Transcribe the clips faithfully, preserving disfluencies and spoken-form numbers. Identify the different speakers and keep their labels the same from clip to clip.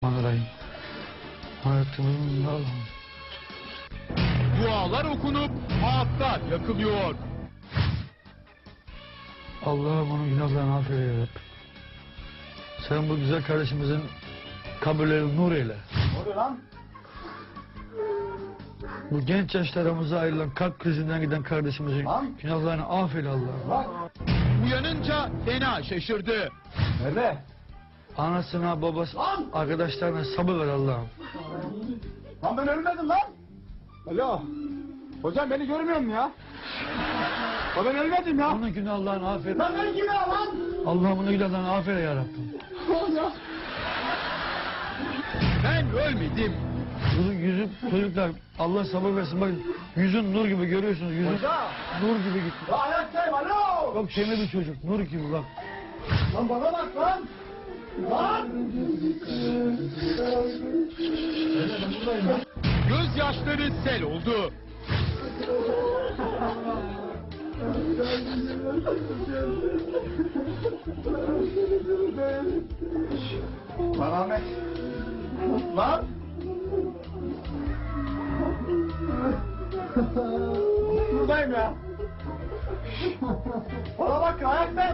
Speaker 1: Bismillahirrahmanirrahim. Hayatımın Allah'ım.
Speaker 2: Dualar okunup ağıtlar yakılıyor.
Speaker 1: Allah'ım onun günahlarını affeyle ya Rabbi. Sen bu güzel kardeşimizin kabirlerini nur eyle.
Speaker 3: Ne oluyor lan?
Speaker 1: Bu genç yaşlarımıza ayrılan kalp krizinden giden kardeşimizin
Speaker 3: Lan.
Speaker 1: günahlarını affeyle Allah'ım.
Speaker 3: Bak.
Speaker 2: Uyanınca fena şaşırdı.
Speaker 3: Nerede?
Speaker 1: Anasına, babası,
Speaker 3: Lan.
Speaker 1: arkadaşlarına sabır ver Allah'ım.
Speaker 3: Lan ben ölmedim lan. Alo. Hocam beni görmüyor musun ya? Ya ben ölmedim ya.
Speaker 1: Onun günahlarını affeyle.
Speaker 3: Lan ben kime lan?
Speaker 1: Allah'ım onun günahlarını affeyle ya Rabbi.
Speaker 3: Ya.
Speaker 2: Ben ölmedim.
Speaker 1: Yüzün, yüzün çocuklar Allah sabır versin. Bakın yüzün nur gibi görüyorsunuz. Yüzün
Speaker 3: Hocam.
Speaker 1: nur gibi gitti.
Speaker 3: Ya ayaktayım alo.
Speaker 1: Çok temiz bir çocuk. Nur gibi bak.
Speaker 3: Lan bana bak lan. Lan.
Speaker 2: Gözyaşları sel oldu.
Speaker 3: Lan Ahmet. Lan. Buradayım ya. Bana bak ayaktayım.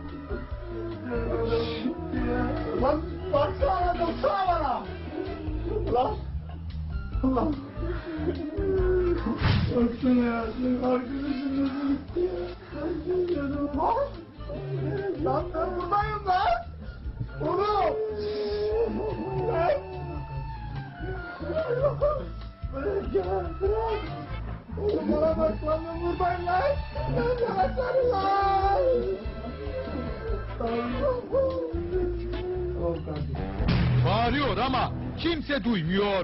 Speaker 3: Lan baksana lan baksana bana. Lan. Lan. Baksana ya. Arkadaşım nasıl gitti ya. Lan. Lan ben buradayım lan. Oğlum. Lan. Bırak ya bırak. Oğlum bana bak lan ben buradayım lan. Ben baksana lan. Tamam kardeşim.
Speaker 2: Bağırıyor ama kimse duymuyor.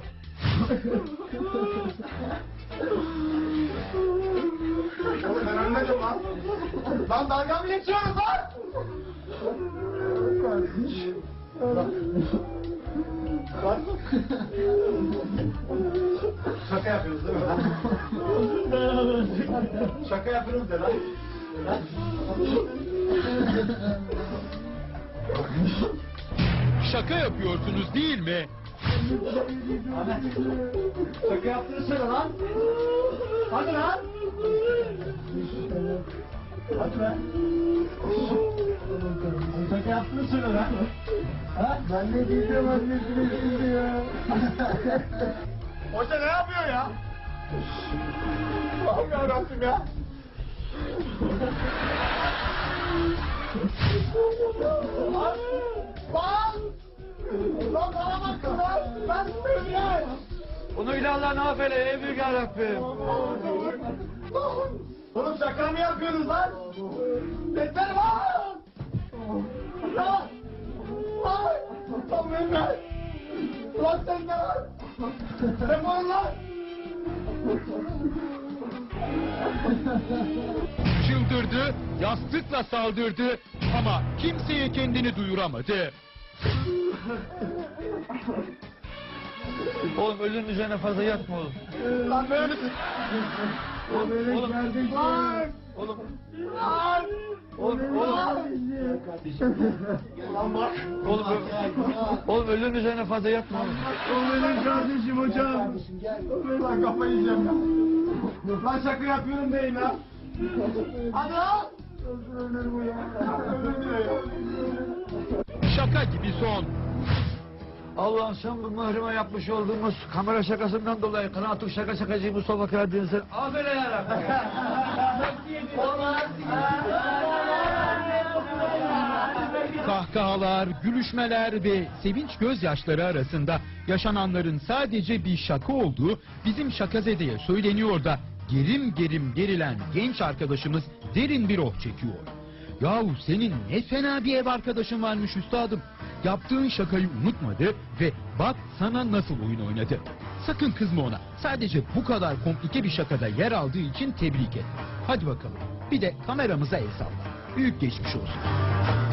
Speaker 3: Oğlum ben ölmedim lan. Lan dalga mı geçiyoruz lan? Kardeşim. Lan. Şaka yapıyoruz değil mi lan? Şaka yapıyoruz de lan.
Speaker 2: Şaka yapıyorsunuz değil mi?
Speaker 3: Ahmet. Şaka yaptığını söyle lan. Hadi lan. Hadi lan. Şaka yaptığını söyle lan. Ha? Ben ne diyeceğim annesine şimdi ya. Hoca ne yapıyor ya? Allah'ım yarabbim ya. Lan! Lan! Lan bana bakın lan! Ben söyleyeyim!
Speaker 1: Onun günahlarını affeyle ey büyük ya Rabbim.
Speaker 3: Oğlum şaka mı yapıyorsunuz lan? Yeter lan! Lan! Lan! Lan Mehmet! Lan sen ne lan? Defol lan!
Speaker 2: Çıldırdı, yastıkla saldırdı ama kimseye kendini duyuramadı.
Speaker 1: Oğlum ölünün üzerine fazla yatma oğlum.
Speaker 3: Lan Mehmet! O melek
Speaker 1: Oğlum.
Speaker 3: kardeşim! Lan!
Speaker 1: Oğlum.
Speaker 3: Lan!
Speaker 1: Oğlum. Oğlum.
Speaker 3: Lan bak!
Speaker 1: Oğlum, ö- oğlum ölünün üzerine fazla yatma oğlum.
Speaker 3: O benim kardeşim hocam. Lan kafayı yiyeceğim ya. Lan şaka yapıyorum değil lan. Hadi lan. Ölür bu ya. Ölür diyor ya.
Speaker 2: Şaka gibi son.
Speaker 1: Allah'ım sen bu mührime yapmış olduğumuz kamera şakasından dolayı kanaatı şaka şakacı Mustafa Karadeniz'e affeyle ya Rabbi.
Speaker 2: Kahkahalar, gülüşmeler ve sevinç gözyaşları arasında yaşananların sadece bir şaka olduğu bizim Şakazede'ye söyleniyor da gerim gerim gerilen genç arkadaşımız derin bir oh çekiyor. Yahu senin ne fena bir ev arkadaşın varmış üstadım. Yaptığın şakayı unutmadı ve bak sana nasıl oyun oynadı. Sakın kızma ona. Sadece bu kadar komplike bir şakada yer aldığı için tebrik et. Hadi bakalım. Bir de kameramıza el salla. Büyük geçmiş olsun.